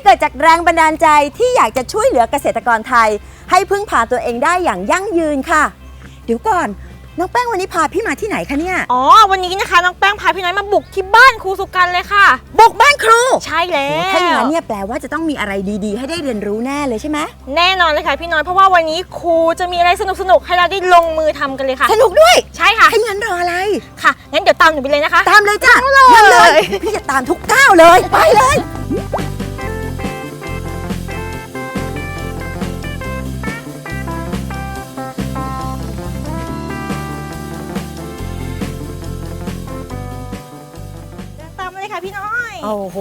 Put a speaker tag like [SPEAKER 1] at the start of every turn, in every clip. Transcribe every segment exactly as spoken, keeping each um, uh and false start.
[SPEAKER 1] กิดจากแรงบันดาลใจที่อยากจะช่วยเหลือเกษตรกรไทยให้พึ่งพาตัวเองได้อย่างยั่งยืนค่ะเดี๋ยวก่อนน้องแป้งวันนี้พาพี่มาที่ไหนคะเนี่ย
[SPEAKER 2] อ๋อวันนี้นะคะน้องแป้งพาพี่น้อยมาบุกที่บ้านครูสุกันเลยค่ะ
[SPEAKER 1] บุกบ้านครู
[SPEAKER 2] ใช่แล้ว
[SPEAKER 1] ถ้าอย่างนั้นเนี่ยแปลว่าจะต้องมีอะไรดีๆให้ได้เรียนรู้แน่เลยใช่ไหม
[SPEAKER 2] แน่นอนเลยค่ะพี่น้อยเพราะว่าวันนี้ครูจะมีอะไรสนุกๆให้เราได้ลงมือทำกันเลยค่ะ
[SPEAKER 1] สนุกด้วย
[SPEAKER 2] ใช่ค่ะ
[SPEAKER 1] ถ้าอย่างนั้นรออะไร
[SPEAKER 2] ค่ะงั้นเดี๋ยวตามหนูไปเลยนะคะ
[SPEAKER 1] ตามเลยจ้ะงั้นเลยพี่จะตามทุกก้าวเลยไปเลย
[SPEAKER 2] พี่น้อย
[SPEAKER 1] โอ้โห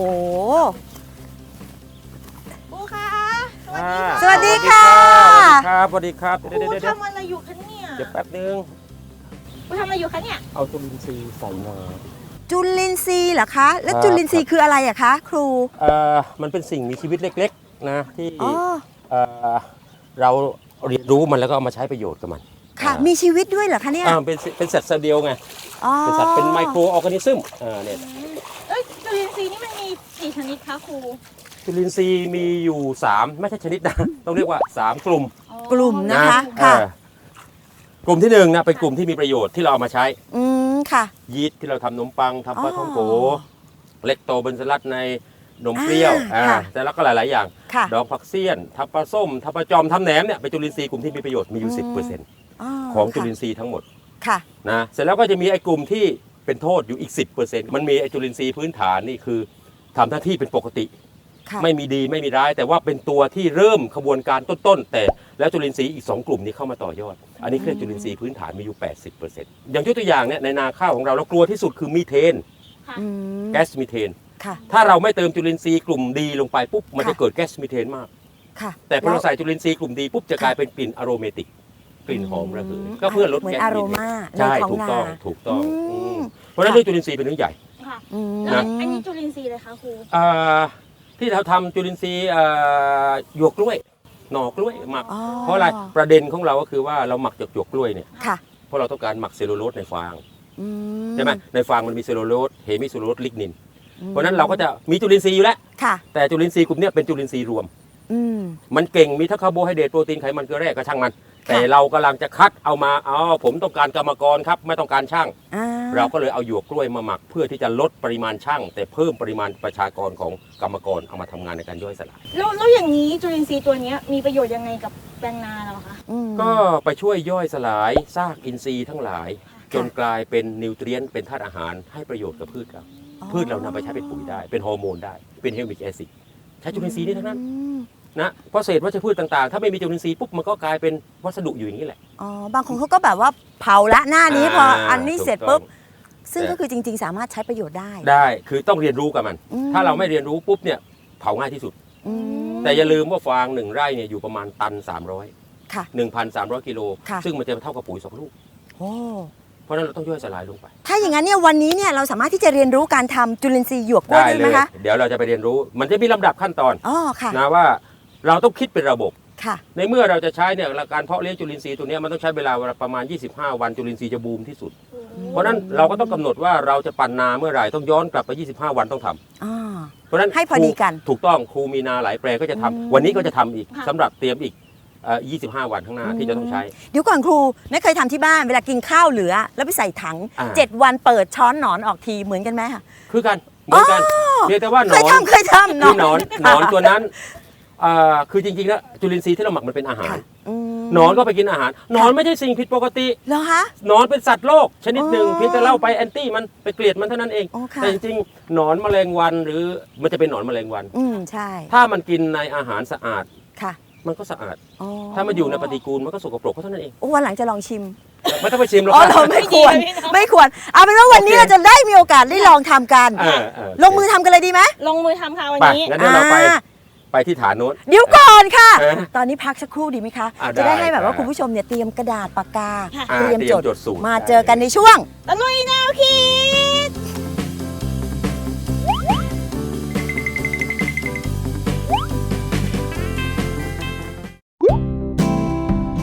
[SPEAKER 2] ครูคะ
[SPEAKER 1] สวัสดีค่ะ
[SPEAKER 3] สวัสดีครับสวัสดีครับ
[SPEAKER 2] ครูทำอะไรอยู่คะเนี่ย
[SPEAKER 3] เดี๋ยวแป๊บนึง
[SPEAKER 2] ครูทำอะไรอยู่คะเนี่ย
[SPEAKER 3] เอาจุลินทรีย์ใส่มา
[SPEAKER 1] จุลินทรีย์เหรอคะแล้วจุลินทรีย์คืออะไรอะคะครู
[SPEAKER 3] เอ่อมันเป็นสิ่งมีชีวิตเล็กๆนะที่เอ่อเราเรียนรู้มันแล้วก็เอามาใช้ประโยชน์กับมัน
[SPEAKER 1] ค่ะมีชีวิตด้วยเหรอคะเนี่ย
[SPEAKER 3] เป็นเป็นสัตว์เซลล์เดียวไงเป็นสัตว์เป็นไมโครออร์แกนิซึมอ่าเนี่ย
[SPEAKER 2] เอ้ยจุลินทรีย์นี่มันมีกี่ชนิดคะครู
[SPEAKER 3] จุลินทรีย์มีอยู่สามไม่ใช่ชนิดนะต้องเรียกว่าสามกลุ่ม
[SPEAKER 1] กลุ่มนะคะค่ะ
[SPEAKER 3] กลุ่มที่หนึ่งนะเป็นกลุ่มที่มีประโยชน์ที่เราเอามาใช้
[SPEAKER 1] อืมค่ะ
[SPEAKER 3] ยีสต์ที่เราทำขนมปังทำปลาท่องโกเล็กโตเบนซลัดในนมเปรี้ยวอ่าแต่แล้วก็หลายๆอย่างดอกผักเสี้ยนทำปลาส้มทำปลาจอมทำแหนมเนี่ยเป็นจุลินทรีย์กลุ่มที่มีประโยชน์มีอยู่ สิบเปอร์เซ็นต์ ของจุลินทรีย์ทั้งหมด
[SPEAKER 1] ค่ะ
[SPEAKER 3] นะเสร็จแล้วก็จะมีไอ้กลุ่มที่เป็นโทษอยู่อีก สิบเปอร์เซ็นต์ มันมีไอ้จุลินทรีย์พื้นฐานนี่คือทำหน้าที่เป็นปกติไม่มีดีไม่มีร้ายแต่ว่าเป็นตัวที่เริ่มขบวนการต้นๆแต่แล้วจุลินทรีย์อีกสองกลุ่มนี้เข้ามาต่อยอดอันนี้คือจุลินทรีย์พื้นฐานมีอยู่ แปดสิบเปอร์เซ็นต์ อย่างยกตัวอย่างเนี่ยในนาข้าวของเราเรากลัวที่สุดคือมีเทนแก๊สมีเทนถ้าเราไม่เติมจุลินทรีย์กลุ่มดีลงไปปุ๊บมันจะเกิดแก๊สมีเทนมากแต่พอเราใส่จุลินทรีย์กลุ่มดีปุ๊บจะกลายเป็นกลิ่นอโรเมติกกลิ่นหอมระเหยก็เพื่อลดแก๊สมีเทนใช่ถูกต้องถูกต้องเพราะฉะนั้นเรื่องจุลินทรีย์เป็นเรื่องใหญ่
[SPEAKER 2] นะอันนี้จุลินทรีย์เลยคะครู
[SPEAKER 3] ที่เราทำจุลินทรีย์หยวกกล้วยหน่อกล้วยหมักเพราะอะไรประเด็นของเราก็คือว่าเราหมักจากหยวกกล้วยเนี่ยเพราะเราต้องการหมักเซลลูโลสในฟางใช่ไหมในฟางมันมีเซลลูโลสเฮมิเซลลูโลสลิกนินเพราะนั้นเราก็จะมีจุลินทรีย์อยู่แล้วแต่จุลินทรีย์กลุ่มนี้เป็นจุลินทรีย์รวมมันเก่งมีทั้งคาร์โบไฮเดรตโปรตีนไขมันเกลือแร่ก็ช่างมันแต่เรากำลังจะคัดเอามาอ๋อผมต้องการกรรมกรครับไม่ต้องการช่างเราก็เลยเอาหยวกกล้วยมาหมักเพื่อที่จะลดปริมาณช่างแต่เพิ่มปริมาณประชากรของกรรมกรเอามาทำงานในการย่อยสลาย
[SPEAKER 2] แล้วแล้วอย่างนี้จุลินทรีย์ตัวนี้มีประโยชน์ยังไงกับแปลงนาเราคะ
[SPEAKER 3] ก็ไปช่วยย่อยสลายซากอินทรีย์ทั้งหลายจนกลายเป็นนิวเทรียนต์เป็นธาตุอาหารให้ประโยชน์กับพืชเราพืชเรานำไปใช้เป็นปุ๋ยได้เป็นฮอร์โมนได้เป็นเฮลมิกแอซิดใช้จุลินทรีย์นี่ทั้งนั้นนะเพราะเศษวัชพืชต่างๆถ้าไม่มีจุลินทรีย์ปุ๊บมันก็กลายเป็นวัสดุอยู่อย่างนี้แหละ
[SPEAKER 1] อ๋อบางคนเขาก็แบบว่าเผาละหน้านี้พออันนี้เสร็จปุ๊บซึ่งก็คือจริงๆสามารถใช้ประโยชน์ได้
[SPEAKER 3] ได้คือต้องเรียนรู้กับมันถ้าเราไม่เรียนรู้ปุ๊บเนี่ยเผาง่ายที่สุดแต่อย่าลืมว่าฟางหนึ่งไร่เนี่ยอยู่ประมาณตันสามร้อย
[SPEAKER 1] ค่ะ
[SPEAKER 3] หนึ่งพันสามร้อย กิโลซึ่งมันจะเท่ากับปุ๋ยสองลูก
[SPEAKER 1] โอ้
[SPEAKER 3] เพราะนั้นเราต้องย่อยสลายลงไป
[SPEAKER 1] ถ้าอย่างนั้นเนี่ยวันนี้เนี่ยเราสามารถที่จะเรียนรู้การทำจุลินทรีย์หยวกกล้วยได้ไหมคะ
[SPEAKER 3] เดี๋ยวเราจะไปเรียนรู้มันจะมีลำดับขั้นตอน
[SPEAKER 1] อ๋อค่ะ
[SPEAKER 3] นะว่าเราต้องคิดเป็นระบบ
[SPEAKER 1] ค่ะ
[SPEAKER 3] ในเมื่อเราจะใช้เนี่ยการเพาะเลี้ยงจุลินทรีย์ตัวนี้มันต้องใช้เวลาประมาณยี่สิบห้าวันจุลินทรีย์จะบูมที่สุดเพราะนั้นเราก็ต้องกำหนดว่าเราจะปั่นนาเมื่อไหร่ต้องย้อนกลับไปยี่สิบห้าวันต้องทำเพราะนั้น
[SPEAKER 1] ให้พอดีกัน
[SPEAKER 3] ถูกต้องครูมีนาหลายแปลงก็จะทำวันนี้ก็จะทำอีกสำหรับเตรียมอีกยี่สิบห้าวันข้างหน้าที่จะต้องใช้
[SPEAKER 1] เดี๋ยวก่อนครูไม่เคยทำที่บ้านเวลากินข้าวเหลือแล้วไปใส่ถังเจ็ดวันเปิดช้อนหนอนออกทีเหมือนกันไหมคะ
[SPEAKER 3] คือกันเหมือนกันเพียงแต่ว่าหนอน
[SPEAKER 1] เคยทำเคยทำ
[SPEAKER 3] คือหนอนหนอนตัวนั้นคือจริงๆแล้วจุลินทรีย์ที่เราหมักมันเป็นอาหารหนอนก็ไปกินอาหารหนอนไม่ใช่สิ่งผิดปกติ
[SPEAKER 1] เหรอคะ
[SPEAKER 3] หนอนเป็นสัตว์โลกชนิดหนึ่งเพียงแต่เล่าไปแอนตี้มันไปเกลียดมันเท่านั้นเองแต่จริงๆหนอนแมลงวันหรือมันจะเป็นหนอนแมลงวัน
[SPEAKER 1] อืมใช่
[SPEAKER 3] ถ้ามันกินในอาหารสะอาด
[SPEAKER 1] ค่ะ
[SPEAKER 3] มันก็สะอาดถ้ามันอยู่ในปฏิกูลมันก็สกปรกเท่านั้นเอง
[SPEAKER 1] โอ้วันหลังจะลองชิม
[SPEAKER 3] ไม่ต้องไปชิมหรอก
[SPEAKER 1] อ๋อเราไม่ควรไม่ควรเอาเป็นว่าวันนี้เราจะได้มีโอกาสได้ลองทำกันลงมือทำกันเลยดีไหม
[SPEAKER 2] ลงมือทำค่ะวันนี้
[SPEAKER 3] งั้นเดี๋ยวเราไปไปที่ฐานโน้น
[SPEAKER 1] เดี๋ยวก่อนค่ะตอนนี้พักสักครู่ดีไหมคะจะได้ให้แบบว่าคุณผู้ชมเนี่ยเตรียมกระดาษปากกาเตรียมจดมาเจอกันในช่วง
[SPEAKER 2] ตะลุยแนวคิด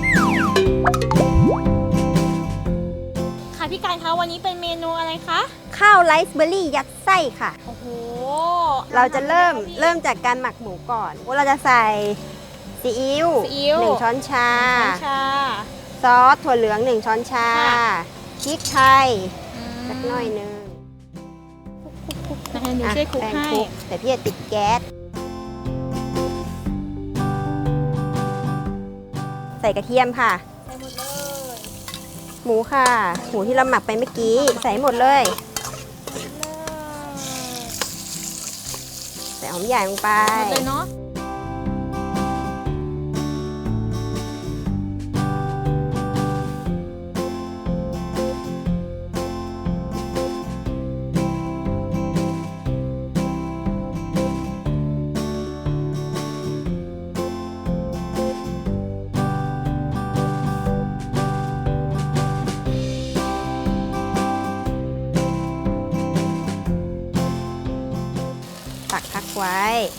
[SPEAKER 2] ค่ะพี่การคะวันนี้เป็นเมนูอะไรคะ
[SPEAKER 4] ข้าวไรซ์เบอร์รี่ยัดไส้ค่ะ
[SPEAKER 2] โอ้โห
[SPEAKER 4] เราจะเริ่มเริ่มจากการหมักหมูก่อนเราจะใส่ซีอิ๊ว
[SPEAKER 2] ซีอิ๊ว
[SPEAKER 4] หนึ่งช้อนชา
[SPEAKER 2] ช้อนชา
[SPEAKER 4] ซอสถั่วเหลืองหนึ่งช้อนชา
[SPEAKER 2] ค่ะ
[SPEAKER 4] พริกไทยสักหน่อยหนึง
[SPEAKER 2] นะคะหนู
[SPEAKER 4] อ่ะ
[SPEAKER 2] ช่วยคลุก
[SPEAKER 4] แป้ง
[SPEAKER 2] ให้
[SPEAKER 4] คลุกแต่พี่จะติดแก๊สใส่กระเทียมค่ะ
[SPEAKER 2] ใส่หมดเลย
[SPEAKER 4] หมูค่ะ หมูที่เราหมักไปเมื่อกี้ใส่หมดเลย ใส่หอมใหญ่ลงไป
[SPEAKER 2] หมดเลยเนาะ
[SPEAKER 4] ตักพักไว้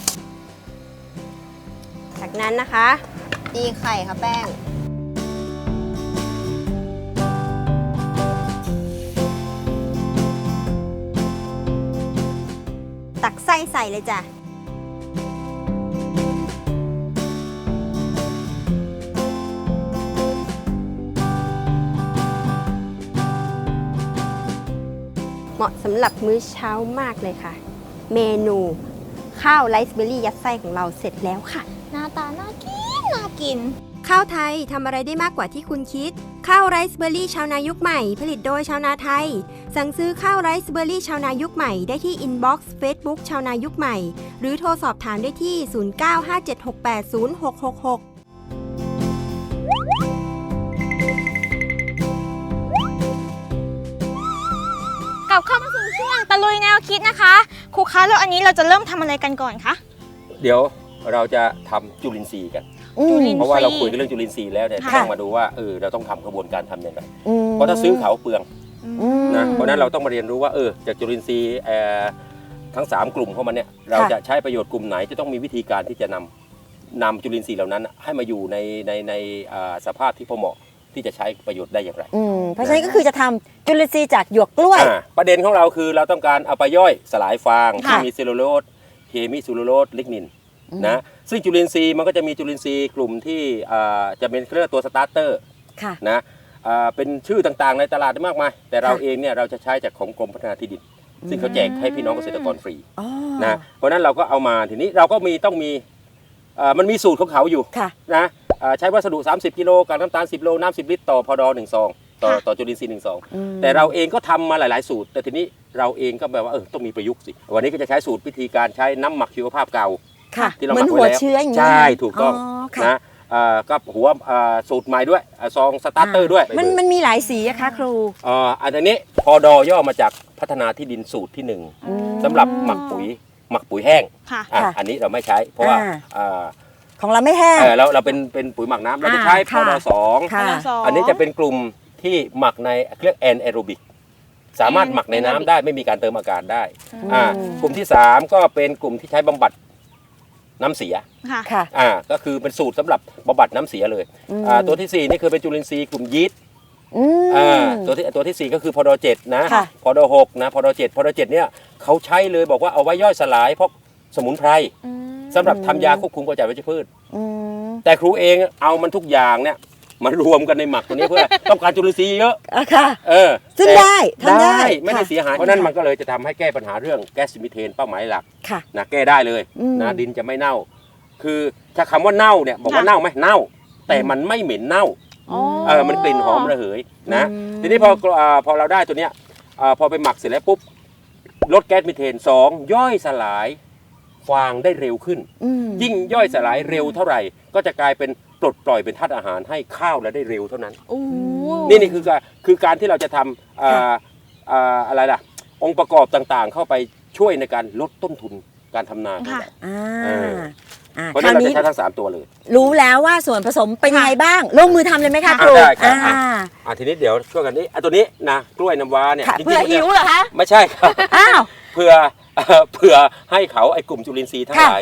[SPEAKER 4] จากนั้นนะคะ ตีไข่ค่ะแป้ง ตักไส้ใส่เลยจ้ะ เหมาะสำหรับมื้อเช้ามากเลยค่ะ เมนูข้าวไรซ์เบอร์รี่ยัดไส้ของเราเสร็จแล้วค่ะ
[SPEAKER 2] หน้าตาน่ากิน น่ากิน
[SPEAKER 4] ข้าวไทยทำอะไรได้มากกว่าที่คุณคิด ข้าวไรซ์เบอร์รี่ชาวนายุคใหม่ ผลิตโดยชาวนาไทย สั่งซื้อข้าวไรซ์เบอร์รี่ชาวนายุคใหม่ได้ที่อินบ็อกซ์เฟซบุ๊กชาวนายุคใหม่ หรือโทรสอบถามได้ที่ ศูนย์ เก้า ห้า เจ็ด หก แปด ศูนย์ หก หก หก
[SPEAKER 2] กลับเข้ามาสู่ช่วงตะลุยแนวคิดนะคะครูคะแล้วอันนี้เราจะเริ่มทำอะไรกันก่อนคะ
[SPEAKER 3] เดี๋ยวเราจะทำจุลินทรีย์กัน
[SPEAKER 1] อืม
[SPEAKER 2] จุลิน
[SPEAKER 3] เพราะว่าเราคุยกันเรื่องจุลินทรีย์แล้วเนี่ย
[SPEAKER 2] ค่ะ
[SPEAKER 3] ต้องมาดูว่าเออเราต้องทำกระบวนการทำยังไง
[SPEAKER 1] อืม
[SPEAKER 3] เพราะถ้าซื้อเขาเปลือง
[SPEAKER 1] อืม
[SPEAKER 3] นะเพราะฉะนั้นเราต้องมาเรียนรู้ว่าเออจากจุลินทรีย์เอ่อทั้งสามกลุ่มเข้ามาเนี่ยเราจะใช้ประโยชน์กลุ่มไหนจะต้องมีวิธีการที่จะนำนำจุลินทรีย์เหล่านั้น ให้มาอยู่ในในในอ่าสภาพที่พอเหมาะที่จะใช้ประโยชน์ได้อย่างไร
[SPEAKER 1] อืมเพราะฉะนั้นก็คือจะทำจุลินทรีย์จากหยวกกล้วย
[SPEAKER 3] อ่าประเด็นของเราคือเราต้องการเอาไปย่อยสลายฟาง
[SPEAKER 1] ค่ะ
[SPEAKER 3] ที่มีเซลลูโลสเฮมิเซลลูโลสลิกนินนะซึ่งจุลินทรีย์มันก็จะมีจุลินทรีย์กลุ่มที่อ่าจะเป็นเรียกว่าตัวสตาร์เตอร์
[SPEAKER 1] ค่ะ
[SPEAKER 3] นะอ่าเป็นชื่อต่างๆในตลาดมากมายแต่เรา
[SPEAKER 1] ค่ะ
[SPEAKER 3] เองเนี่ยเราจะใช้จากของกรมพัฒนาที่ดิน ซึ่งเขาแจกให้พี่น้องเกษตรกรฟรี
[SPEAKER 1] อ๋อ
[SPEAKER 3] นะเพราะฉะนั้นเราก็เอามาทีนี้เราก็มีต้องมีเอ่อมันมีสูตรของเขาอยู่
[SPEAKER 1] ค่ะ
[SPEAKER 3] นะอ่าใช้วัสดุ สามสิบ กิโลกับน้ำตาล สิบ โลน้ำ สิบ ลิตรต่อพอดอหนึ่งซองต่อ
[SPEAKER 2] ค่ะ
[SPEAKER 3] ต่อจุลินทรีย์หนึ่งซอง
[SPEAKER 1] อืม
[SPEAKER 3] แต่เราเองก็ทำมาหลาย ๆ สูตร แต่ทีนี้เราเองก็แบบว่าเออต้องมีประยุกต์สิวันนี้ก็จะใช้สูตรวิธีการใช้น้ำหมักชีวภาพเก่า
[SPEAKER 1] ค่ะ
[SPEAKER 3] ที่เรา
[SPEAKER 1] เห
[SPEAKER 3] ห
[SPEAKER 1] มื
[SPEAKER 3] มั
[SPEAKER 1] อน
[SPEAKER 3] ก
[SPEAKER 1] หัว
[SPEAKER 3] ไว้แล้ว
[SPEAKER 1] เชื้ออย่างนี้
[SPEAKER 3] ใช่ถูกต้อง
[SPEAKER 1] ค่ะ
[SPEAKER 3] นะอ่าก็หัวอ่าสูตรใหม่ด้วยอ่าซองสตาร์เตอร์ด้วย
[SPEAKER 1] มันมันมีหลายสีอะคะครู
[SPEAKER 3] อ่าอันนี้พอดอย่อมาจากพัฒนาที่ดินสูตรที่หนึ่ง
[SPEAKER 1] อืม
[SPEAKER 3] สำหรับหมักปุ๋ยหมักปุ๋ยแห้ง
[SPEAKER 2] ค่ะ
[SPEAKER 3] อ่ะ
[SPEAKER 1] ค่ะ
[SPEAKER 3] อันนี้เราไม่ใช้ เพราะว่า
[SPEAKER 1] อ่า
[SPEAKER 3] อ่า
[SPEAKER 1] ของเราไม่แห้ง
[SPEAKER 3] เออเราเราเป็นเป็นปุ๋ยหมักน้ำเราจะใช้พ
[SPEAKER 1] ค่ะ
[SPEAKER 3] อดสอง
[SPEAKER 1] ค่ะ
[SPEAKER 2] สอง
[SPEAKER 3] อันนี้จะเป็นกลุ่มที่หมักในเรียกแอนแอโรบิกสามารถหมักในน้ำได้ไม่มีการเติมอากาศได้
[SPEAKER 1] อืม
[SPEAKER 3] อ่ากลุ่มที่สามก็เป็นกลุ่มที่ใช้บำบัดน้ำเสีย
[SPEAKER 2] ค่ะ
[SPEAKER 1] ค่ะ
[SPEAKER 3] อ่าก็คือเป็นสูตรสำหรับบำบัดน้ำเสียเลย
[SPEAKER 1] อืม
[SPEAKER 3] อ่าตัวที่สี่นี่คือเป็นจุลินทรีย์กลุ่มยีสต์
[SPEAKER 1] อืม
[SPEAKER 3] อ่าตัวที่ตัวที่สี่ก็คือพอดเจ็ดนะ
[SPEAKER 1] ค่ะ
[SPEAKER 3] พอดหกนะพอดเจ็ดพอดเจ็ดเนี่ยเขาใช้เลยบอกว่าเอาไว้ย่อยสลายพวกสมุนไพรสำหรับทำยาควบคุมกำจัดวัชพืช
[SPEAKER 1] อืม
[SPEAKER 3] แต่ครูเองเอามันทุกอย่างเนี่ยมารวมกันในหมักตัวนี้เพื่อ ต้องการจุลินทรีย์เยอะ
[SPEAKER 1] อ่ะค่ะ
[SPEAKER 3] เออ
[SPEAKER 1] ซึ่ง
[SPEAKER 3] แต่
[SPEAKER 1] ได้ทำได้
[SPEAKER 3] ไม่ได้
[SPEAKER 1] ค่ะ
[SPEAKER 3] เสียหายเพราะนั้นมันก็เลยจะทำให้แก้ปัญหาเรื่องแก๊สมิเทนเป้าหมายหลัก
[SPEAKER 1] ค่ะ
[SPEAKER 3] นะแก้ได้เลย
[SPEAKER 1] อืม
[SPEAKER 3] นะดินจะไม่เน่า คือถ้าคำว่าเน่าเนี่ยบอกว่า
[SPEAKER 2] ค่ะ
[SPEAKER 3] เน่าไหมเน่า แต่มันไม่เหม็นเน่า
[SPEAKER 2] อ๋อ
[SPEAKER 3] เออมันกลิ่นหอมระเหยนะ
[SPEAKER 1] อืม
[SPEAKER 3] ทีนี้พออ่าพอเราได้ตัวเนี้ยอ่าพอไปหมักเสร็จแล้วปุ๊บลดแก๊สมิเทนสองย่อยสลายฟางได้เร็วขึ้น
[SPEAKER 1] อืม
[SPEAKER 3] ยิ่งย่อยสลายเร็วเท่าไหร่ ก็จะกลายเป็นปลดปล่อยเป็นธาตุอาหารให้ข้าวและได้เร็วเท่านั้น
[SPEAKER 2] โอ้
[SPEAKER 3] นี่นี่คือการคือการที่เราจะทำอ่าอ่าอะไรล่ะ องค์ประกอบต่างๆ เข้าไปช่วยในการลดต้นทุนการทำนาของ
[SPEAKER 2] ค่ะ
[SPEAKER 3] เรา
[SPEAKER 1] อ่า
[SPEAKER 3] เออ
[SPEAKER 1] อ่า
[SPEAKER 3] เพราะ
[SPEAKER 1] ค
[SPEAKER 3] ฉะ
[SPEAKER 1] รา
[SPEAKER 3] นั้น
[SPEAKER 1] ว
[SPEAKER 3] เราจะ
[SPEAKER 1] นี้
[SPEAKER 3] ใช้ทั้งสามตัวเลย
[SPEAKER 1] รู้แล้วว่าส่วนผสมเป็นยังไงบ้าง ลงมือทำเลยไหมคะ
[SPEAKER 2] ค่ะ
[SPEAKER 1] ครู
[SPEAKER 3] ได้ครับ
[SPEAKER 1] อ่า
[SPEAKER 3] อ่ะทีนี้เดี๋ยวช่วยกันนี้อ่ะตัวนี้นะกล้วยน้ำว้าเนี่ย
[SPEAKER 1] ค่ะ
[SPEAKER 3] จริงๆ
[SPEAKER 1] เพื่อ
[SPEAKER 3] มันจะ
[SPEAKER 1] หิวเหรอคะ
[SPEAKER 3] ไม่ใช่ครับ
[SPEAKER 1] อ้าว
[SPEAKER 3] เพื่อเอ่อเพื่อให้เขาไอ้กลุ่มจุลินทรีย์ทั้ง
[SPEAKER 1] ค่ะ
[SPEAKER 3] หลายเนี่ย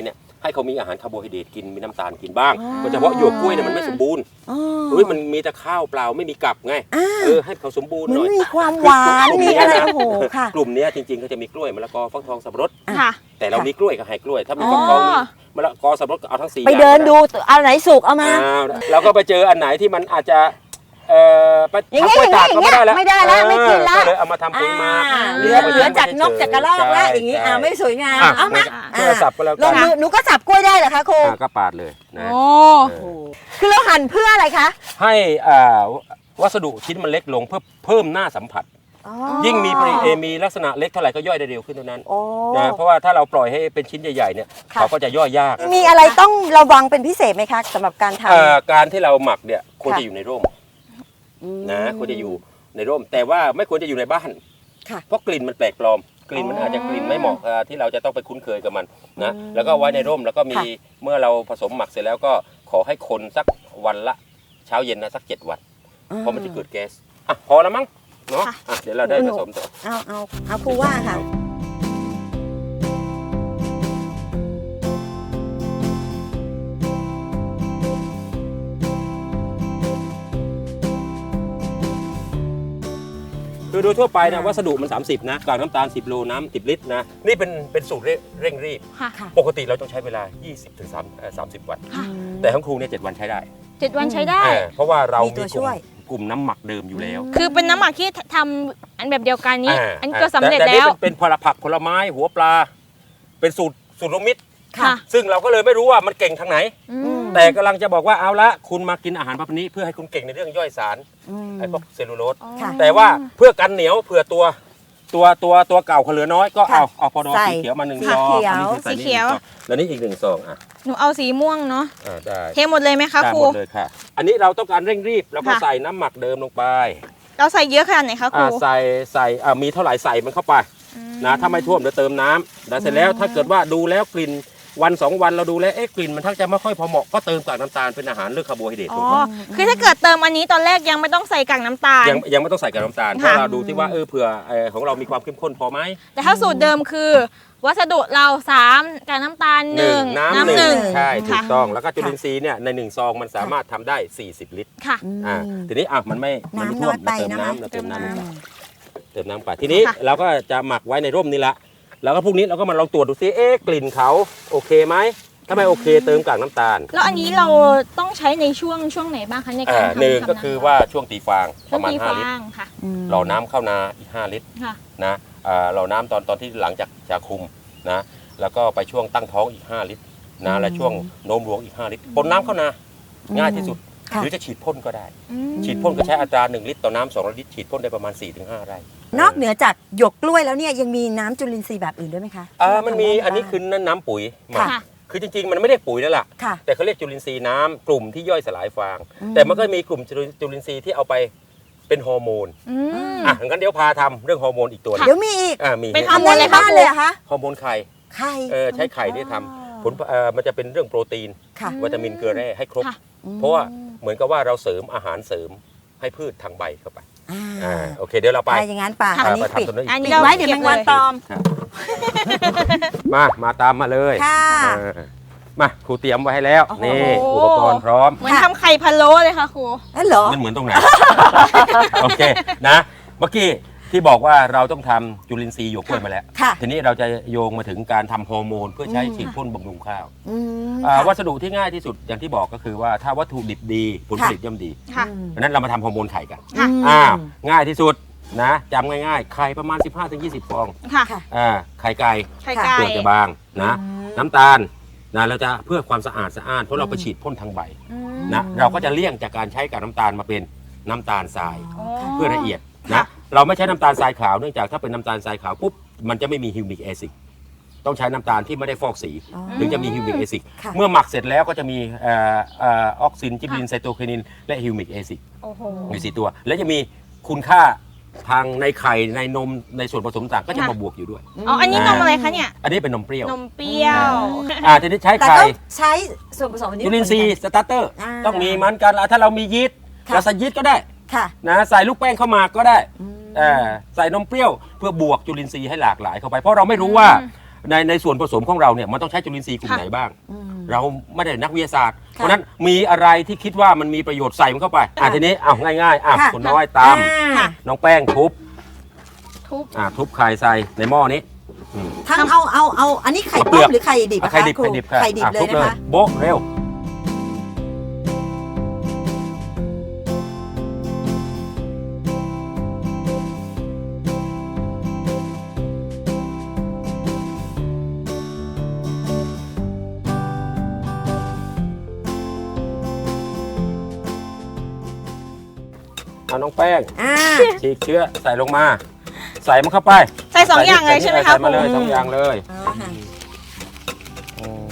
[SPEAKER 3] ให้เขามีอาหารคาร์โบไฮเดรตกินมีน้ำตาลกินบ้างโดยเฉพาะหยวกกล้วยเนี่ยมันไม่สมบูรณ์
[SPEAKER 1] อ๋อ
[SPEAKER 3] เฮ้ยมันมีแต่ข้าวเปล่าไม่มีกับไง
[SPEAKER 1] อ่า
[SPEAKER 3] เออให้เขาสมบูรณ์
[SPEAKER 1] มัน
[SPEAKER 3] หน่อย
[SPEAKER 1] มีความหวานมีอะไรโอ้โหค่ะ
[SPEAKER 3] กลุ่มเนี้ยจริงๆเขาจะมีกล้วยมะละกอฟักทองสับปะรด
[SPEAKER 2] ค่ะ
[SPEAKER 3] แต่เรามีกล้วยกับไฮกล้วย ถ้ามี
[SPEAKER 2] อ๋อ
[SPEAKER 3] ฟักทองมีมะละกอสับปะรดก็เอาทั้งสี่
[SPEAKER 1] ไป
[SPEAKER 3] อย่าง
[SPEAKER 1] เดินดูเอาไหนสุกเอามา
[SPEAKER 3] อ่าเราก็ไปเจออันไหนที่มันอาจจะเอ่อไป
[SPEAKER 1] อย่างเงี้ย
[SPEAKER 3] ทำกล้วยตากก็ไม่ได้แล้ว
[SPEAKER 1] ไม่ได้แล้วไม่กินแล้ว
[SPEAKER 3] เออก็เลยเอามาทำปุ๋ยหมาก
[SPEAKER 1] อ่า
[SPEAKER 3] ห
[SPEAKER 1] เห
[SPEAKER 3] รื
[SPEAKER 1] ลือเหลือจากนกจากกระรอกแล้วอย่างนี้
[SPEAKER 3] นี้
[SPEAKER 1] อ่าไม่สวยงาม
[SPEAKER 3] อ่ะ
[SPEAKER 1] เอามา
[SPEAKER 3] โทรศัพท์ก็แล้ว
[SPEAKER 1] ล
[SPEAKER 3] กั
[SPEAKER 1] ง
[SPEAKER 3] น
[SPEAKER 1] มือหนูก็สับกล้วยได้เหรอคะครู
[SPEAKER 3] อ่าก็ปาดเลยนะ
[SPEAKER 2] โอ้
[SPEAKER 3] เออ
[SPEAKER 1] คือเราหั่นเพื่ออะไรคะ
[SPEAKER 3] ให้อ่าวัสดุชิ้นมันเล็กลงเพื่อเพิ่มหน้าสัมผัส
[SPEAKER 1] อ๋อ
[SPEAKER 3] ยิ่งมีปริเอมีลักษณะเล็กเท่าไหร่ก็ย่อยได้เร็วขึ้นเท่านั้น
[SPEAKER 1] โอ้
[SPEAKER 3] นะเพราะว่าถ้าเราปล่อยให้เป็นชิ้นใหญ่ๆเนี่ย
[SPEAKER 1] ค่ะ
[SPEAKER 3] เขาก็จะย่อยยาก
[SPEAKER 1] มีอะไรต้องระวังเป็นพิเศษไหมคะสำหรับการท
[SPEAKER 3] เอ่อการที่เราหมักเนี่ยควร
[SPEAKER 1] ค่ะ
[SPEAKER 3] จะอยู่ในร่ม
[SPEAKER 1] ำ
[SPEAKER 3] นะควรจะอยู่ในร่ม แต่ว่าไม่ควรจะอยู่ในบ้าน
[SPEAKER 1] ค่ะ
[SPEAKER 3] เพราะกลิ่นมันแปลกปลอม กลิ่นมันอาจจะกลิ่นไม่เหมาะเอ่อที่เราจะต้องไปคุ้นเคยกับมันนะแล้วก็ไว้ในร่มแล้วก็มี
[SPEAKER 1] ค่ะ
[SPEAKER 3] เมื่อเราผสมหมักเสร็จแล้วก็ขอให้คนสักวันละเช้าเย็นนะสักเจ็ดวัน เพราะมันจะเกิดแก๊สอ่ะพอแล้วมั้งเนาะ
[SPEAKER 2] ค่ะ
[SPEAKER 3] อ่ะเดี๋ยวเราได้ผสมต่อ
[SPEAKER 1] เอาเอาเอาครูว่าค่ะ
[SPEAKER 3] คือโดยทั่วไปนะวัสดุมัน สามสิบ นะกากน้ำตาล สิบ โลน้ำสิบ ลิตรนะนี่เป็นเป็นสูตรเร่งรีบ
[SPEAKER 2] ค่ะ
[SPEAKER 1] ค่ะ
[SPEAKER 3] ปกติเราต้องใช้เวลา ยี่สิบถึงสามสิบ วัน
[SPEAKER 2] ค่ะ
[SPEAKER 3] แต่ของครูเนี่ยเจ็ดวันใช้ได้
[SPEAKER 2] เจ็ดวันใช้ได้
[SPEAKER 3] เออเพราะว่าเรา
[SPEAKER 1] มี
[SPEAKER 3] มี
[SPEAKER 1] ตัว
[SPEAKER 3] ก
[SPEAKER 1] ช่
[SPEAKER 3] ลุ่ม
[SPEAKER 1] วย
[SPEAKER 3] กลุ่มน้ำหมักเดิมอยู่แล้ว
[SPEAKER 2] คือเป็นน้ำหมักที่ทำอันแบบเดียวกันนี้
[SPEAKER 3] า
[SPEAKER 2] อันนี้ก็สำเร็จ
[SPEAKER 3] แต่
[SPEAKER 2] แล้ว
[SPEAKER 3] ต่นี่เป็นเป็นผลผักผลไม้หัวปลา เป็นสูตรสูตรรวมมิตร
[SPEAKER 2] ค่ะ
[SPEAKER 3] ซึ่งเราก็เลยไม่รู้ว่ามันเก่งทางไหน
[SPEAKER 2] อืม
[SPEAKER 3] แต่กำลังจะบอกว่าเอาละคุณมากินอาหารประเภทนี้เพื่อให้คุณเก่งในเรื่องย่อยสาร
[SPEAKER 1] อืม
[SPEAKER 3] ไอ้พวกเซลลูโลส
[SPEAKER 1] ค่ะ
[SPEAKER 3] แต่ว่าเพื่อกันเหนียวเผื่อตัวตัวตัวตัวเก่าเขาเหลือน้อยก็
[SPEAKER 1] ค่ะ
[SPEAKER 3] เอาเอาพอดอ
[SPEAKER 1] ใส่
[SPEAKER 3] สีเขียวมาหนึ่ง
[SPEAKER 1] สี
[SPEAKER 3] ซอง
[SPEAKER 1] เขียว
[SPEAKER 3] อันนี้คือใส่
[SPEAKER 2] สีเขียว
[SPEAKER 3] หนึ่งซองแล้วนี่อีกหนึ่งซองอ่ะ
[SPEAKER 2] หนูเอาสีม่วงเนาะ
[SPEAKER 3] อ่าได้
[SPEAKER 2] เทหมดเลยไหมคะ
[SPEAKER 3] ได้
[SPEAKER 2] ครู
[SPEAKER 3] หมดเลยค่ะ อันนี้เราต้องการเร่งรีบแล้วก็
[SPEAKER 2] ค่ะ
[SPEAKER 3] ใส่น้ำหมักเดิมลงไป
[SPEAKER 2] เราใส่เยอะขนาดไหนคะครู
[SPEAKER 3] อ่าใส่ใส่อ่ามีเท่าไหร่ใส่มันเข้าไป
[SPEAKER 2] อืม
[SPEAKER 3] นะถ้าไม่ท่วมเดี๋ยวเติมน้ำแล้วเสร็จแล้วถ้าเกิดว่าดูแล้วกลิ่นวันสองวันเราดูแล้วเอ๊ะกลิ่นมันทักจะไม่ค่อยพอเหมาะก็เติมกากน้ำตาลเป็นอาหารเลือกคาร์โบไฮเดรต
[SPEAKER 2] อ๋
[SPEAKER 3] ล
[SPEAKER 2] อ
[SPEAKER 3] งไป
[SPEAKER 2] คือถ้าเกิดเติมอันนี้ตอนแรกยังไม่ต้องใส่กากน้ำตาล
[SPEAKER 3] ยังยังไม่ต้องใส่กากน้ำตาลเพ
[SPEAKER 2] ค่ะ
[SPEAKER 3] ราะเราดูที่ว่าเออเผื่อเอ่อของเรามีความเข้มข้นพอไหม
[SPEAKER 2] แต่ถ้าสูตรเดิมคือ วัสดุเราสามกากน้ำตาลหนึ่ง
[SPEAKER 3] น้ำ
[SPEAKER 2] น้ำ
[SPEAKER 3] ห
[SPEAKER 2] ห
[SPEAKER 3] นึ่
[SPEAKER 2] นึ่
[SPEAKER 3] ง
[SPEAKER 2] ง
[SPEAKER 3] ใช่ถูก
[SPEAKER 2] ค่ะ
[SPEAKER 3] ต้องแล้วก็จุลินทรีย์เนี่ยในหนึ่งซองมันสามารถทำได้สี่สิบลิตร
[SPEAKER 2] ค่ะ
[SPEAKER 3] อ่าทีนี้อ่ะมันไม่มันไม่
[SPEAKER 1] น้ำ
[SPEAKER 3] ท่วม
[SPEAKER 1] น้อยไป
[SPEAKER 3] เราเติม
[SPEAKER 1] นะคะ
[SPEAKER 3] น้ำเราเติมน้ำลงไป
[SPEAKER 1] อืม
[SPEAKER 3] เติมน้ำไปทีนี้
[SPEAKER 2] ค่ะ
[SPEAKER 3] เราก็จะหมักไว้ในร่มนี่ละแล้วก็พรุ่งนี้เราก็มาลองตรวจดูซิเอ๊ะกลิ่นเขาโอเคไหมถ้าไม่โอเคเติมกากน้ำตาล
[SPEAKER 2] แล้วอันนี้เราต้องใช้ในช่วงช่วงไหนบ้างคะในการ
[SPEAKER 3] อ่า
[SPEAKER 2] ทำ
[SPEAKER 3] หนึ่ง
[SPEAKER 2] ทำ
[SPEAKER 3] ก็คือว่าช่วงตีฟางป
[SPEAKER 2] ช่ว
[SPEAKER 3] ระ
[SPEAKER 2] ง
[SPEAKER 3] มาณ
[SPEAKER 2] ตี
[SPEAKER 3] ห้า
[SPEAKER 2] ฟา
[SPEAKER 3] ลิตร
[SPEAKER 2] งค่ะ
[SPEAKER 1] อืม
[SPEAKER 3] รอน้ำเข้านาอีกห้าลิตร
[SPEAKER 2] ค่ะ
[SPEAKER 3] นะอ่าเราน้ำตอนตอนที่หลังจากจะคุมนะแล้วก็ไปช่วงตั้งท้องอีกห้าลิตรนะและช่วงโน้มรวงอีกห้าลิตรปนน้ำเข้านาง่ายที่สุด
[SPEAKER 1] ค่ะ
[SPEAKER 3] หรือจะฉีดพ่นก็ได้
[SPEAKER 2] อืม
[SPEAKER 3] ฉีดพ่นก็ใช้อัตราหนึ่งลิตรต่อน้ำสองลิตรฉีดพ่นได้ประมาณ สี่ถึงห้า ไร่
[SPEAKER 1] นอกเหนือจากหยวกกล้วยแล้วเนี่ยยังมีน้ำจุลินทรีย์แบบอื่นด้วยไหมคะ
[SPEAKER 3] อ่ามันมี
[SPEAKER 1] ที่เราทำได้
[SPEAKER 3] อันนี้คือน้ำปุ๋ยหมัก
[SPEAKER 2] ค่ะ
[SPEAKER 3] คือจริงๆ มันไม่ได้ปุ๋ยแล้วล่ะ
[SPEAKER 1] ค่ะ
[SPEAKER 3] แต่เขาเรียกจุลินทรีย์น้ำกลุ่มที่ย่อยสลายฟาง
[SPEAKER 1] อืม
[SPEAKER 3] แต่มันก็มีกลุ่มจุลิจุลินทรีย์ที่เอาไปเป็นฮอร์โมน
[SPEAKER 2] อืม
[SPEAKER 3] อ่ะงั้นเดี๋ยวพาทำเรื่องฮอร์โมนอีกตัวหนึ่ง
[SPEAKER 1] เดี๋ยวมีอีก
[SPEAKER 3] อ่ามี
[SPEAKER 2] เป็น
[SPEAKER 3] ฮ
[SPEAKER 2] ฮอร์โมน
[SPEAKER 1] ทำได้
[SPEAKER 2] เลย
[SPEAKER 1] ใน
[SPEAKER 2] คะ
[SPEAKER 1] บ้านเลยเหรอคะ
[SPEAKER 3] อร์โมนไข่
[SPEAKER 1] ไข่
[SPEAKER 3] เออใช้ไข่เนี่ยทำผลเอ่อมันจะเป็นเรื่องโปรตีน
[SPEAKER 1] ค่ะ
[SPEAKER 3] วิตามินเกลือแร่ให้ครบ
[SPEAKER 2] ค่ะ
[SPEAKER 3] เพราะว่าเหมือนกับว่าเราเสริมอาหารเสริมให้พืชทางใบเข้าไป
[SPEAKER 1] อ่า
[SPEAKER 3] อ่าโอเคเดี๋ยวเราไป
[SPEAKER 1] ไปอย่างนั้นป่ะ
[SPEAKER 3] อ่า
[SPEAKER 1] อันนี้
[SPEAKER 3] ไป
[SPEAKER 1] ปิด
[SPEAKER 3] ทำตัวนั้นอีก
[SPEAKER 2] อันนี้
[SPEAKER 1] ปิด
[SPEAKER 2] เรา
[SPEAKER 1] ไว้เดี๋ยวแมงวันตอม
[SPEAKER 3] มา มาตามมาเลย
[SPEAKER 1] ค่ะ
[SPEAKER 3] เออมาครูเตรียมไว้ให้แล้ว
[SPEAKER 1] โอ้โห
[SPEAKER 3] นี่อุปกรณ์พร้อม
[SPEAKER 2] เหมือนทำไข่พะโล้เลยค่ะครู
[SPEAKER 1] นั่นเหรอ
[SPEAKER 3] มันเหมือนตรงไหน โอเคนะ เมื่อกี้ที่บอกว่าเราต้องทำจุลินทรีย์หยวกกล้วยมาแล้ว
[SPEAKER 1] ค่ะ
[SPEAKER 3] ทีนี้เราจะโยงมาถึงการทำฮอร์โมนเพื่อใช้
[SPEAKER 1] อืม
[SPEAKER 3] ฉีดพ่นบำรุงข้าว
[SPEAKER 1] อืม
[SPEAKER 3] อ่า
[SPEAKER 1] ค่ะ
[SPEAKER 3] วัสดุที่ง่ายที่สุดอย่างที่บอกก็คือว่าถ้าวัตถุดิบดีผลผลิตย่อมดี
[SPEAKER 2] ค่ะ
[SPEAKER 3] เพราะฉะนั้นเรามาทำฮอร์โมนไข่กัน
[SPEAKER 2] ค่ะ
[SPEAKER 1] ม
[SPEAKER 3] อ้าวง่ายที่สุดนะจำง่ายๆ ไข่ประมาณ สิบห้าถึงยี่สิบ ฟอง
[SPEAKER 2] ค่ะ
[SPEAKER 1] ค่ะ
[SPEAKER 3] อ่าไข่ไก่
[SPEAKER 2] ไข่ไก่
[SPEAKER 3] เปลือกจะบางนะ
[SPEAKER 1] อืม
[SPEAKER 3] น้ำตาลนะเราจะเพื่อความสะอาดสะอ้านเพราะเราไปฉีดพ่นทางใบ
[SPEAKER 2] อืม
[SPEAKER 3] นะเราก็จะเลี่ยงจากการใช้กับน้ำตาลมาเป็นน้ำตาลทราย
[SPEAKER 2] อ๋อ
[SPEAKER 3] เพื่อละเอียดนะเราไม่ใช้น้ำตาลทรายขาวเนื่องจากถ้าเป็นน้ำตาลทรายขาวปุ๊บมันจะไม่มีฮิวมิกแอซิดต้องใช้น้ำตาลที่ไม่ได้ฟอกสี
[SPEAKER 1] อ๋อ
[SPEAKER 3] ถึงจะมีฮิวมิกแอซิด
[SPEAKER 1] ค่ะ
[SPEAKER 3] เมื่อหมักเสร็จแล้วก็จะมีเออเออออกซินจิบลินไซโตไคนินและฮิวมิกแอซิด
[SPEAKER 2] โอ้โห
[SPEAKER 3] มีสี่ตัว และจะมีคุณค่าทางในไข่ในนมในส่วนผสมต่างก็จะมาบวกอยู่ด้วย
[SPEAKER 2] อ๋อ อันนี้นมอะไรคะเนี่ย
[SPEAKER 3] อันนี้เป็นนมเปรี้ยวน
[SPEAKER 2] มเปรี้ยว
[SPEAKER 3] อ่าทีนี้ใช้
[SPEAKER 1] แต่
[SPEAKER 3] ไข่
[SPEAKER 1] ต้องใช้ส่วนผสมอันนี้
[SPEAKER 3] จุลินทรีย์สตาร์เตอร์
[SPEAKER 1] อ่า
[SPEAKER 3] ต้องมีเหมือนกันอ่ะถ้าเรามียีสต์
[SPEAKER 1] ค่ะ
[SPEAKER 3] เราใส่ยีสต์ก็ได้
[SPEAKER 1] ค่ะ
[SPEAKER 3] นะใส่ลูกแป้งเข้ามาก็ได้
[SPEAKER 1] อืม
[SPEAKER 3] เอ่อใส่นมเปรี้ยวเพื่อบวกจุลินทรีย์ให้หลากหลายเข้าไป เพราะเราไม่รู้ว่าในในส่วนผสมของเราเนี่ยมันต้องใช้จุลินทรีย์กลุ่ม
[SPEAKER 2] ค่ะ
[SPEAKER 3] ไหนบ้าง
[SPEAKER 1] อืม
[SPEAKER 3] เราไม่ได้นักวิทยาศาสตร์
[SPEAKER 1] ค่ะ
[SPEAKER 3] เพราะฉะนั้นมีอะไรที่คิดว่ามันมีประโยชน์ใส่มันเข้าไปอ่ะ
[SPEAKER 1] ค่ะ
[SPEAKER 3] ทีนี้อ้าวง่ายๆอ่ะ
[SPEAKER 1] ค่ะ
[SPEAKER 3] คุณน้อยตาม
[SPEAKER 1] อ่า
[SPEAKER 3] น้องแป้งทุบ
[SPEAKER 2] ทุบ
[SPEAKER 3] อ่ะทุบไข่ใส่ในหม้อนี้อืม
[SPEAKER 1] ทั้งเอาเอาเอาอันนี้ไข่
[SPEAKER 3] เอาเปลื
[SPEAKER 1] ต้
[SPEAKER 3] อก
[SPEAKER 1] มหรือไข่ดิบอะ
[SPEAKER 3] ไข่
[SPEAKER 1] คะ
[SPEAKER 3] ดิบ
[SPEAKER 1] ครู
[SPEAKER 3] ไข่ดิบค่ะ
[SPEAKER 1] ไข่ดิบ
[SPEAKER 3] อ่ะ
[SPEAKER 1] เลย
[SPEAKER 3] ทุบ
[SPEAKER 1] นะคะ
[SPEAKER 3] โบ๊ะเร็วเอาน้องแป้ง
[SPEAKER 1] อ่า
[SPEAKER 3] ฉีกเชื้อใส่ลงมา ใส่มันเข้าไป
[SPEAKER 2] ใส่สองอย่างเลยใช่ไหมคะ
[SPEAKER 3] ใส่มาเลย
[SPEAKER 2] ครู
[SPEAKER 3] สองอย่างเลย
[SPEAKER 1] อ๋อค่ะ
[SPEAKER 3] อืม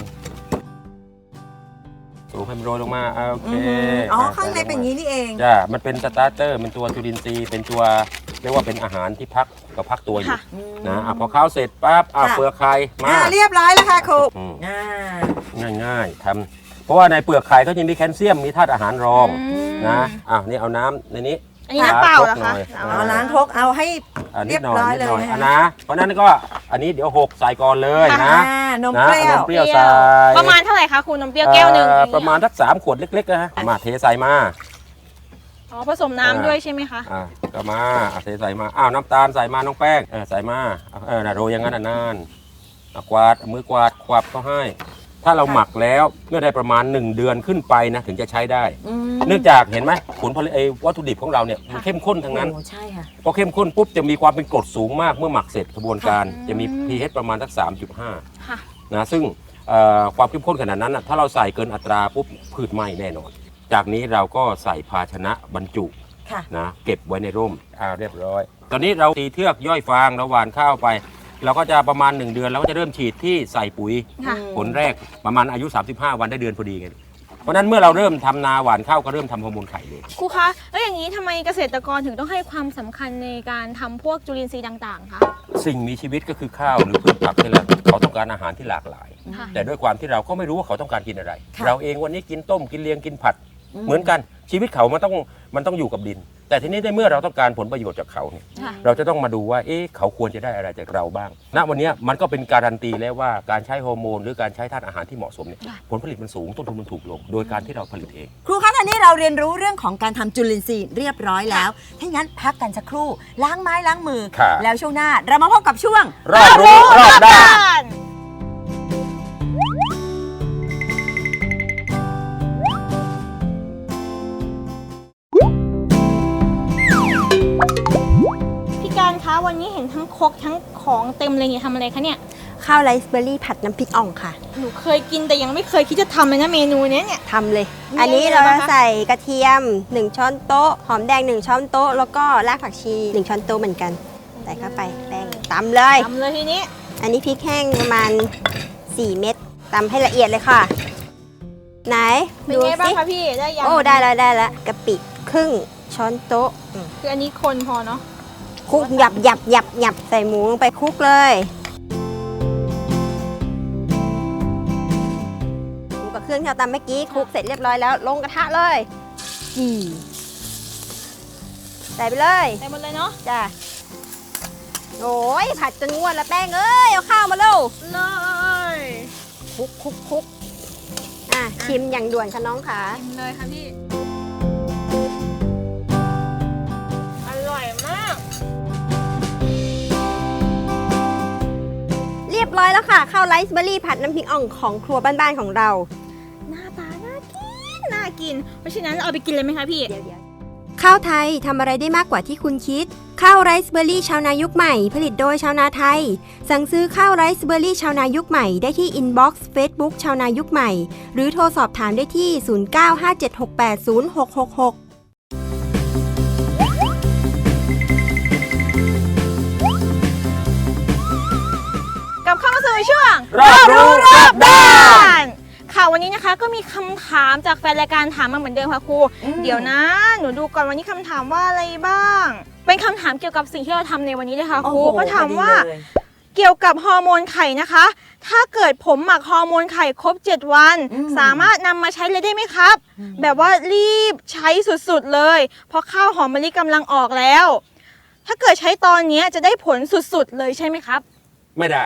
[SPEAKER 3] สูบให้มันโรยลงมาอ่ะโอเค
[SPEAKER 1] อือหืออ๋อ
[SPEAKER 3] อ่ะ
[SPEAKER 1] ข้างในเป็นอย่างนี้นี่เอง
[SPEAKER 3] จ้ามันเป็นสตาร์เตอร์เป็นตัวจุลินทรีย์เป็นตัวเรียกว่าเป็นอาหารที่พักกับพักตัวอยู่
[SPEAKER 2] ค่ะ
[SPEAKER 3] นะอ่ะพอข้าวเสร็จปั๊บอ่ะ
[SPEAKER 1] ค่ะ
[SPEAKER 3] เปลือกไข่มา
[SPEAKER 1] อ่าเรียบร้อยแล้วค่ะครู
[SPEAKER 3] อืม
[SPEAKER 1] อ่า
[SPEAKER 3] ง่ายๆทำเพราะว่าในเปลือกไข่ก็จะมีแคลเซียมมีธาตุอาหารรอง
[SPEAKER 2] อืม
[SPEAKER 3] นะอ่ะนี่เอาน้ำในนี้
[SPEAKER 2] อันนี้น้ำเปล่าเหรอคะ
[SPEAKER 3] ล้างครกหน่อย
[SPEAKER 1] เอาล้างครกเอาให้
[SPEAKER 3] อ่ะนิ
[SPEAKER 1] เรี
[SPEAKER 3] ด
[SPEAKER 1] ยบ
[SPEAKER 3] หน่อย
[SPEAKER 1] ร้อย
[SPEAKER 3] นิด
[SPEAKER 1] เลย
[SPEAKER 3] หน่อย
[SPEAKER 1] นะ
[SPEAKER 3] อ่ะ
[SPEAKER 1] คะ
[SPEAKER 3] นะเพราะฉะนั้นก็อันนี้เดี๋ยวหกใส่ก่อนเลยนะ
[SPEAKER 1] อ่านม
[SPEAKER 3] นะ
[SPEAKER 1] เปรี้ยว
[SPEAKER 3] นมเปรี้ยวใส่
[SPEAKER 2] ประมาณเท่าไหร่คะคุณนมเปรี้ยวแก้วหนึ่ง
[SPEAKER 3] เอ่อประมาณสักสามขวดเล็กๆนะฮะมาเทใส่มา
[SPEAKER 2] อ๋อผสมน้ำด้วยใช่ไหมคะ
[SPEAKER 3] อ่าก็มาอ่ะเทใส่มาอ้าวน้ำตาลใส่มาน้องแป้งเออใส่มาเออนะโรยอย่างนั้นอ่ะนานอ่ะกวาดเอามือกวาดควับเขาให้ ถ้าเราหมักแล้วเมื่อได้ประมาณหนึ่งเดือนขึ้นไปนะถึงจะใช้ได้
[SPEAKER 1] อืม
[SPEAKER 3] เนื่องจากเห็นไหมผลผลิตไอ้วัตถุดิบของเราเนี่ยมันเข้มข้นทั้งนั้น
[SPEAKER 1] โอ้ใช่ค่ะ
[SPEAKER 3] พอเข้มข้นปุ๊บจะมีความเป็นกรดสูงมากเมื่อหมักเสร็จกระบวนการ
[SPEAKER 2] อืม
[SPEAKER 3] จะมี pH ประมาณสัก สามจุดห้า
[SPEAKER 2] ค่ะ
[SPEAKER 3] นะซึ่งเอ่อความเข้มข้นขนาดนั้นนะถ้าเราใส่เกินอัตราปุ๊บพืชไหม้แน่นอน จากนี้เราก็ใส่ภาชนะบรรจุ
[SPEAKER 1] ค่ะ
[SPEAKER 3] นะเก็บไว้ในร่มอ่าเรียบร้อย ตอนนี้เราตีเทือกย่อยฟางเราหว่านข้าวไป เราก็จะประมาณ หนึ่ง เดือนเราก็จะเริ่มฉีดที่ใส่ปุ๋ย
[SPEAKER 2] ค่ะ
[SPEAKER 3] ผลแรกประมาณอายุ สามสิบห้า วันได้เดือนพอดีไงเพราะฉะนั้นเมื่อเราเริ่มทำนาหว่านข้าวก็เริ่มทำฮอร์โมนไข่เลย
[SPEAKER 2] ครูคะ แล้วอย่างนี้ทำไมเกษตรกรถึงต้องให้ความสำคัญในการทำพวกจุลินทรีย์ต่างๆคะ
[SPEAKER 3] สิ่งมีชีวิตก็คือข้าวหรือพืชผักนี่แหละเขาต้องการอาหารที่หลากหลาย
[SPEAKER 2] ค่ะ
[SPEAKER 3] แต่ด้วยความที่เราก็ไม่รู้ว่าเขาต้องการกินอะไร
[SPEAKER 1] ค่ะ
[SPEAKER 3] เราเองวันนี้กินต้มกินเลียงกินผัด
[SPEAKER 1] อืม
[SPEAKER 3] เหมือนกันชีวิตเขามันต้องมันต้องอยู่กับดิน แต่ทีนี้ในเมื่อเราต้องการผลประโยชน์จากเขาเนี่ย
[SPEAKER 2] ค่ะ
[SPEAKER 3] เราจะต้องมาดูว่าเอ๊ะเขาควรจะได้อะไรจากเราบ้าง ณ วันนี้มันก็เป็นการันตีแล้วว่าการใช้ฮอร์โมนหรือการใช้ธาตุอาหารที่เหมาะสมเนี่ย
[SPEAKER 2] ค่ะ
[SPEAKER 3] ผลผลิตมันสูงต้นทุนมันถูกลง โดยการที่เราผลิตเอง
[SPEAKER 1] ครูคะตอนนี้เราเรียนรู้เรื่องของการทำจุลินทรีย์เรียบร้อยแล้วถ้างั้นพักกันสักครู่ล้างไม้ล้างมือ
[SPEAKER 3] ครับ
[SPEAKER 1] แล้วช่วงหน้าเรามาพบกับช่วง
[SPEAKER 3] รอบรู้รอบด้าน
[SPEAKER 2] พี่การคะวันนี้เห็นทั้งครกทั้งของเต็มเลยเนี่ยทำอะไรคะเนี่ย
[SPEAKER 4] ข้าวไรซ์เบอร์รี่ผัดน้ำพริกอ่องค่ะ
[SPEAKER 2] หนูเคยกินแต่ยังไม่เคยคิดจะทำเลยนะเมนูเนี้ยเนี่ย
[SPEAKER 4] ทำเลย
[SPEAKER 2] มี
[SPEAKER 4] อันนี้
[SPEAKER 2] อะไร
[SPEAKER 4] เรา
[SPEAKER 2] บ้างคะ
[SPEAKER 4] ใส่กระเทียม หนึ่ง ช้อนโต๊ะ หอมแดง หนึ่ง ช้อนโต๊ะ แล้วก็รากผักชี หนึ่ง ช้อนโต๊ะเหมือนกัน ใส่เข้าไปแป้งตำเลย
[SPEAKER 2] ทำเลยทีนี้
[SPEAKER 4] อันนี้พริกแห้งประมาณ สี่ เม็ดตำให้ละเอียดเลยค่ะ ไหน
[SPEAKER 2] เป็น
[SPEAKER 4] ดู
[SPEAKER 2] ไงบ้าง
[SPEAKER 4] สิ
[SPEAKER 2] คะพี่ได้ยัง
[SPEAKER 4] โอ้ ได้แล้วได้แล้วกะปิครึ่งช้อนโต๊ะอืม
[SPEAKER 2] คืออันนี้คนพอเนาะ
[SPEAKER 4] คลุกหยับหยับหยับหยับใส่หมูลงไปคลุกเลยหมูกับเครื่องที่เราตำเมื่อกี้คลุกเสร็จเรียบร้อยแล้วลงกระทะเลยจีใส่ไปเลย
[SPEAKER 2] ใส่หมดเลยเนาะ
[SPEAKER 4] จ้ะโอ้ยผัดจนงวดแล้วแป้งเอ้ยเอาข้าวมาเร็ว
[SPEAKER 2] เลย
[SPEAKER 4] คลุกคลุกคลุกอ่ะชิมอย่างด่วนค่ะน้องค่ะ
[SPEAKER 2] ชิมเลยค่ะพี่ อร่อยมาก
[SPEAKER 4] เรียบร้อยแล้วค่ะข้าวไรซ์เบอร์รี่ผัดน้ำพริกอ่องของครัวบ้านๆของเรา
[SPEAKER 2] หน้าตาน่ากิน น่ากิน เพราะฉะนั้นเราเอาไปกินเลยไหมคะพี่
[SPEAKER 4] เดี๋ยวเดี๋ยวข้าวไทยทำอะไรได้มากกว่าที่คุณคิด ข้าวไรซ์เบอร์รี่ชาวนายุคใหม่ ผลิตโดยชาวนาไทย สั่งซื้อข้าวไรซ์เบอร์รี่ชาวนายุคใหม่ได้ที่อินบ็อกซ์เฟซบุ๊กชาวนายุคใหม่ หรือโทรสอบถามได้ที่ ศูนย์ เก้า ห้า เจ็ด หก แปด ศูนย์ หก หก หก
[SPEAKER 2] กลับเข้ามาสู่ช่วง
[SPEAKER 3] รอบรู้รอบด้าน
[SPEAKER 2] นค่ะวันนี้นะคะก็มีคำถามจากแฟนรายการถามมาเหมือนเดิมค่ะครู
[SPEAKER 1] อืม
[SPEAKER 2] เดี๋ยวนะ หนูดูก่อนวันนี้คำถามว่าอะไรบ้าง เป็นคำถามเกี่ยวกับสิ่งที่เราทำในวันนี้เลยค่ะครู
[SPEAKER 1] โอ้โห
[SPEAKER 2] ก็ถามว่า
[SPEAKER 1] พอดีเลย
[SPEAKER 2] เกี่ยวกับฮอร์โมนไข่นะคะ ถ้าเกิดผมหมักฮอร์โมนไข่ครบ เจ็ด วัน
[SPEAKER 1] อืม
[SPEAKER 2] สามารถนำมาใช้เลยได้ไหมครับ
[SPEAKER 1] อืม
[SPEAKER 2] แบบว่ารีบใช้สุดๆเลย เพราะข้าวหอมมะลิกำลังออกแล้ว ถ้าเกิดใช้ตอนนี้จะได้ผลสุดๆเลยใช่ไหมครับ
[SPEAKER 3] ไม่ได้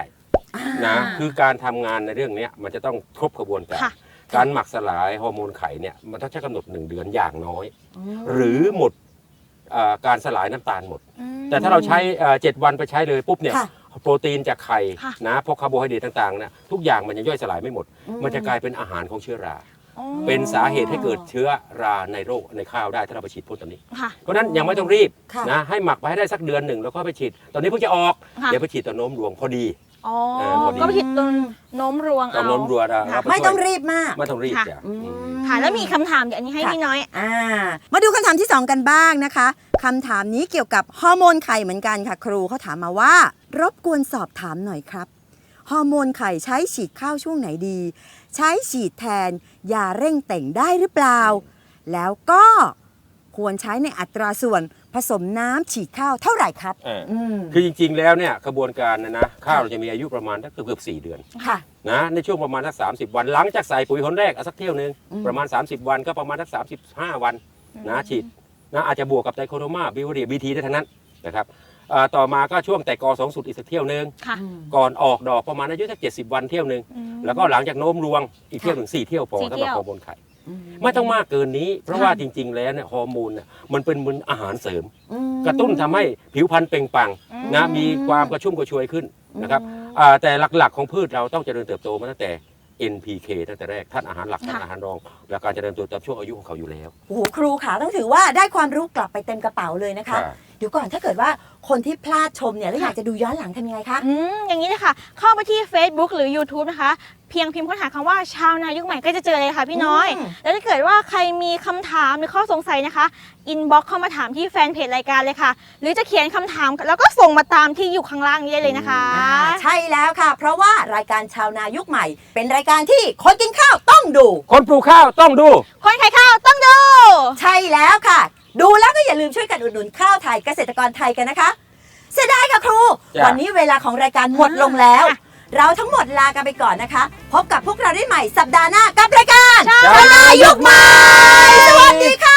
[SPEAKER 3] นะคือการทำงานในเรื่องเนี้ยมันจะต้องครบกระบวนการ
[SPEAKER 2] ค่ะ
[SPEAKER 3] การหมักสลายฮอร์โมนไข่เนี่ยมันต้องใช้กำหนดหนึ่งเดือนอย่างน้อย หรือหมดอ่าการสลายน้ำตาลหมด
[SPEAKER 2] อืม
[SPEAKER 3] แต่ถ้าเราใช้เอ่อเจ็ดวันไปใช้เลยปุ๊บเนี่ย
[SPEAKER 1] ค่ะ
[SPEAKER 3] โปรตีนจากไข่
[SPEAKER 2] ค่ะ
[SPEAKER 3] นะพวกคาร์โบไฮเดรตต่างๆเนี่ยทุกอย่างมันยังย่อยสลายไม่หมด
[SPEAKER 1] อืม
[SPEAKER 3] มันจะกลายเป็นอาหารของเชื้อรา
[SPEAKER 2] อ๋อ
[SPEAKER 3] เป็นสาเหตุให้เกิดเชื้อราในโรคในข้าวได้ถ้าเราไปฉีดพ่นตอนนี้
[SPEAKER 2] ค่ะ
[SPEAKER 3] เพราะฉะนั้นยังไม่ต้องรีบ
[SPEAKER 1] ค่ะ
[SPEAKER 3] นะให้หมักไปให้ได้สักเดือนหนึ่งแล้วก็ไปฉีด ตอนนี้เพิ่งจะออก
[SPEAKER 2] ค่ะ
[SPEAKER 3] เดี๋ยวไปฉีดตอนโน้มรวงพอดี
[SPEAKER 2] อ๋อ
[SPEAKER 3] เออพอดี
[SPEAKER 2] ก็ไปผิดตรงโน้มรวง
[SPEAKER 3] ตอน
[SPEAKER 2] เอา
[SPEAKER 3] โน้มรวงเรา
[SPEAKER 2] ค่ะ
[SPEAKER 3] เราป
[SPEAKER 1] ไม่
[SPEAKER 3] ช่วย
[SPEAKER 1] ต้องรีบมาก
[SPEAKER 3] ไม่ต้องรีบ
[SPEAKER 2] ค่ะ
[SPEAKER 3] จ้ะ
[SPEAKER 1] อืม
[SPEAKER 3] อืม
[SPEAKER 2] ค่ะ แล้วมีคำถามเดี๋ยวอันนี้ให้
[SPEAKER 1] ค่ะ
[SPEAKER 2] พี่น้อย
[SPEAKER 1] อ่ามาดูคำถามที่สองกันบ้างนะคะคำถามนี้เกี่ยวกับฮอร์โมนไข่เหมือนกันค่ะ ครูเขาถามมาว่า รบกวนสอบถามหน่อยครับฮอร์โมนไข่ใช้ฉีดข้าวช่วงไหนดี ใช้ฉีดแทนยาเร่งแต่งได้หรือเปล่า แล้วก็ควรใช้ในอัตราส่วนผสมน้ำฉีดข้าวเท่าไหร่ครับ
[SPEAKER 3] เออ
[SPEAKER 1] อืม
[SPEAKER 3] คือจริงๆแล้วเนี่ยกระบวนการนะนะข้าวเราจะมีอายุประมาณสักเกือบๆสี่เดือน
[SPEAKER 1] ค่ะ
[SPEAKER 3] นะในช่วงประมาณสักสามสิบวันหลังจากใส่ปุ๋ยหนแรกเอาสักเที่ยวหนึง
[SPEAKER 1] อืม
[SPEAKER 3] ประมาณ สามสิบ วันก็ประมาณสักสามสิบห้าวันนะฉีดนะอาจจะบวกกับไตรโคโดมาบิวเรียบีทีได้ทั้งนั้นนะครับอ่าต่อมาก็ช่วงแต่กอสองสุดอีกสักเที่ยวหนึง
[SPEAKER 2] ค่ะ
[SPEAKER 3] ก่อนออกดอกประมาณอายุสักเจ็ดสิบวันเที่ยวหนึง
[SPEAKER 2] อืม
[SPEAKER 3] แล้วก็หลังจากโน้มรวงอีกเที่ยวหนึ่งสี่เที่ยวพอ
[SPEAKER 2] สี่
[SPEAKER 3] สำ
[SPEAKER 2] เที่
[SPEAKER 3] หรับ
[SPEAKER 2] ยว
[SPEAKER 3] ฮอร์โมนไข่ไม่ต้องมากเกินนี้ เพราะว่าจริง ๆ แล้วเนี่ยฮอร์โมนเนี่ยมันเป็นเหมือนอาหารเสริม
[SPEAKER 1] อืม
[SPEAKER 3] กระตุ้นทำให้ผิวพรรณเปล่งปลั่ง
[SPEAKER 2] อืม
[SPEAKER 3] นะมีความกระชุ่มกระชวยขึ้นนะครับ
[SPEAKER 1] อืม
[SPEAKER 3] อ่าแต่หลักๆของพืชเราต้องเจริญเติบโตมาตั้งแต่ เอ็น พี เค ตั้งแต่แรกท่านอาหารหลักท่าน
[SPEAKER 2] ค่ะ
[SPEAKER 3] อาหารรอง และการเจริญเติบโตตามช่วงอายุของเขาอยู่แล้ว
[SPEAKER 1] โอ้โหครูค่ะต้องถือว่าได้ความรู้กลับไปเต็มกระเป๋าเลยนะคะ
[SPEAKER 3] ค่ะ
[SPEAKER 1] เดี๋ยวก่อนถ้าเกิดว่าคนที่พลาดชมเนี่ยแล้วอยากจะดูย้อนหลังทำยังไงคะ
[SPEAKER 2] อืมอย่างนี้เลยค่ะ เข้าไปที่ Facebook หรือ YouTube นะคะ เพียงพิมพ์ค้นหาคำว่าชาวนายุคใหม่ก็จะเจอเลยค่ะพี่น้อย
[SPEAKER 1] อืม
[SPEAKER 2] แล้วถ้าเกิดว่าใครมีคำถามหรือข้อสงสัยนะคะ อินบ็อกเข้ามาถามที่แฟนเพจรายการเลยค่ะ หรือจะเขียนคำถามแล้วก็ส่งมาตามที่อยู่ข้างล่างนี้ได้เลยนะคะ
[SPEAKER 1] อ่าใช่แล้วค่ะ เพราะว่ารายการชาวนายุคใหม่ เป็นรายการที่คนกินข้าวต้องดู
[SPEAKER 3] คนปลูกข้าวต้องดู
[SPEAKER 2] คนขายข้าวต้องดู
[SPEAKER 1] ใช่แล้วค่ะ ดูแล้วก็อย่าลืมช่วยกันอุดหนุนข้าวไทยเกษตรกรไทยกันนะคะ เสียดายค่ะครู
[SPEAKER 3] จ้ะ
[SPEAKER 1] วันนี้เวลาของรายการหมดลงแล้ว
[SPEAKER 2] ค่ะ
[SPEAKER 1] เราทั้งหมดลากันไปก่อนนะคะ พบกับพวกเราได้ใหม่สัปดาห์หน้ากับรายการ
[SPEAKER 2] ชาวนายุคใหม่
[SPEAKER 1] สวัสดีค่ะ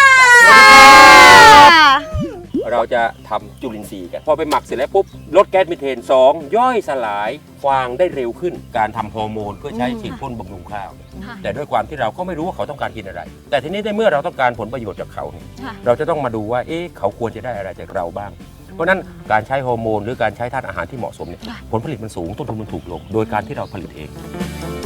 [SPEAKER 3] เราจะทำจุลินทรีย์กัน พอไปหมักเสร็จแล้วปุ๊บลดแก๊สมีเทนสองย่อยสลายฟางได้เร็วขึ้น การทำฮอร์โมนเพื่อใช้ฉีดพ่นบำรุงข้าว
[SPEAKER 2] ค่ะ
[SPEAKER 3] แต่ด้วยความที่เราก็ไม่รู้ว่าเขาต้องการกินอะไร แต่ทีนี้ในเมื่อเราต้องการผลประโยชน์จากเขาเนี่ย
[SPEAKER 2] ค่ะ
[SPEAKER 3] เราจะต้องมาดูว่าเอ๊ะเขาควรจะได้อะไรจากเราบ้าง เพราะฉะนั้นการใช้ฮอร์โมนหรือการใช้ธาตุอาหารที่เหมาะสมเนี่ย
[SPEAKER 2] ค่ะ
[SPEAKER 3] ผลผลิตมันสูงต้นทุนมันถูกลง โดยการที่เราผลิตเอง
[SPEAKER 2] ค